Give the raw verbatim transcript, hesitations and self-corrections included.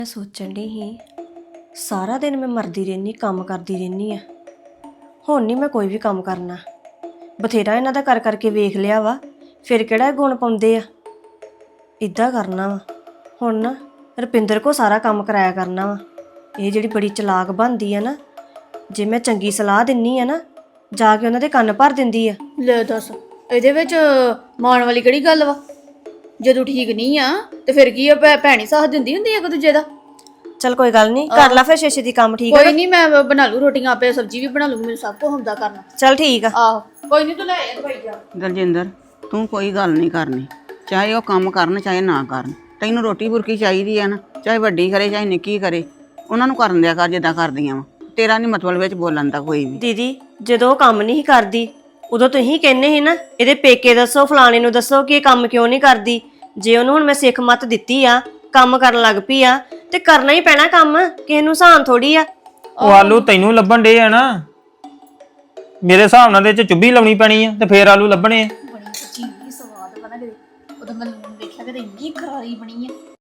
मैं सोचन डी ही सारा दिन मैं मरदी रहनी काम करती रहनी आ हुण नहीं मैं कोई भी काम करना बथेरा इन्हां दा कर करके वेख लिया वा फिर किहड़ा गुण पाउंदे आ इदां करना वा हुण ना रुपिंदर को सारा काम कराया करना वा ये जिहड़ी बड़ी चलाक बनदी आ ना जे मैं चंगी सलाह दिन्नी आ ना जाके उन्हां दे कन्न भर दिंदी आ ले दस ਇਹਦੇ ਵਿੱਚ ਮਾਣ ਵਾਲੀ ਕਿਹੜੀ ਗੱਲ ਵਾ ਜਦੋਂ ਠੀਕ ਨਹੀਂ ਆ ਤੇ ਫਿਰ ਕੀ ਆ ਭੈਣੀ ਸਾਥ ਦਿੰਦੀ ਹੁੰਦੀ ਆ ਇੱਕ ਦੂਜੇ ਦਾ चल कोई गल नहीं कर ला फिर छे दी काम ठीक है ਕੋਈ ਨਹੀਂ ਮੈਂ ਬਣਾ ਲੂ ਰੋਟੀਆਂ ਆਪੇ ਸਬਜ਼ੀ ਵੀ ਬਣਾ ਲੂ ਮੈਨੂੰ ਸਭ ਕੁਝ ਹੁੰਦਾ ਕਰਨਾ चल ठीक है ਆਹੋ ਕੋਈ ਨਹੀਂ ਤੂੰ ਲੈ ਆ ਦਵਾਈ ਜਾ ਦਲਜਿੰਦਰ ਤੂੰ ਕੋਈ ਗੱਲ ਨਹੀਂ ਕਰਨੀ ਚਾਹੇ ਉਹ ਕੰਮ ਕਰਨ ਚਾਹੇ ਨਾ ਕਰਨ ਤੈਨੂੰ ਰੋਟੀ ਬੁਰਕੀ ਚਾਹੀਦੀ ਆ ਨਾ ਚਾਹੇ ਵੱਡੀ ਕਰੇ ਚਾਹੇ ਨਿੱਕੀ ਕਰੇ ਉਹਨਾਂ ਨੂੰ ਕਰਨ ਦਿਆ ਕਰ ਜਿੱਦਾਂ ਕਰਦੀਆਂ ਵਾ ਤੇਰਾ ਨਹੀਂ ਮਤਲਬ ਵਿੱਚ ਬੋਲਣ ਦਾ ਕੋਈ ਵੀ दीदी ਜਦੋਂ ਕੰਮ ਨਹੀਂ ਕਰਦੀ ਉਦੋਂ ਤੁਸੀਂ ਕਹਿੰਦੇ ਸੀ ਨਾ ਇਹਦੇ ਪੇਕੇ ਦੱਸੋ ਫਲਾਣੇ ਨੂੰ ਦੱਸੋ ਕਿ ਇਹ ਕੰਮ ਕਿਉਂ ਨਹੀਂ ਕਰਦੀ ਜੇ ਉਹਨੂੰ ਹੁਣ ਮੈਂ ਸਿੱਖ ਮੱਤ ਦਿੱਤੀ ਆ ਕੰਮ ਕਰਨ ਲੱਗ ਪਈ ਆ ਤੇ ਕਰਨਾ ਹੀ ਪੈਣਾ ਕੰਮ ਕਿਸੇ ਨੂੰ ਸਾਨ ਥੋੜੀ ਆ ਉਹ ਆਲੂ ਤੈਨੂੰ ਲੱਭਣ ਡੇ ਆ ਨਾ ਮੇਰੇ ਹਿਸਾਬ ਨਾਲ ਦੇ ਚ ਚੁੱਭੀ ਲਾਉਣੀ ਪੈਣੀ ਆ ਤੇ ਫੇਰ ਆਲੂ ਲੱਭਣੇ ਆ ਬੜੀ ਸੱਚੀ ਸਵਾਦ ਬਣਾ ਕੇ ਉਹਦਾ ਮੈਂ ਦੇਖਿਆ ਕਿ ਇੰਨੀ ਖਰਾਰੀ ਬਣੀ ਆ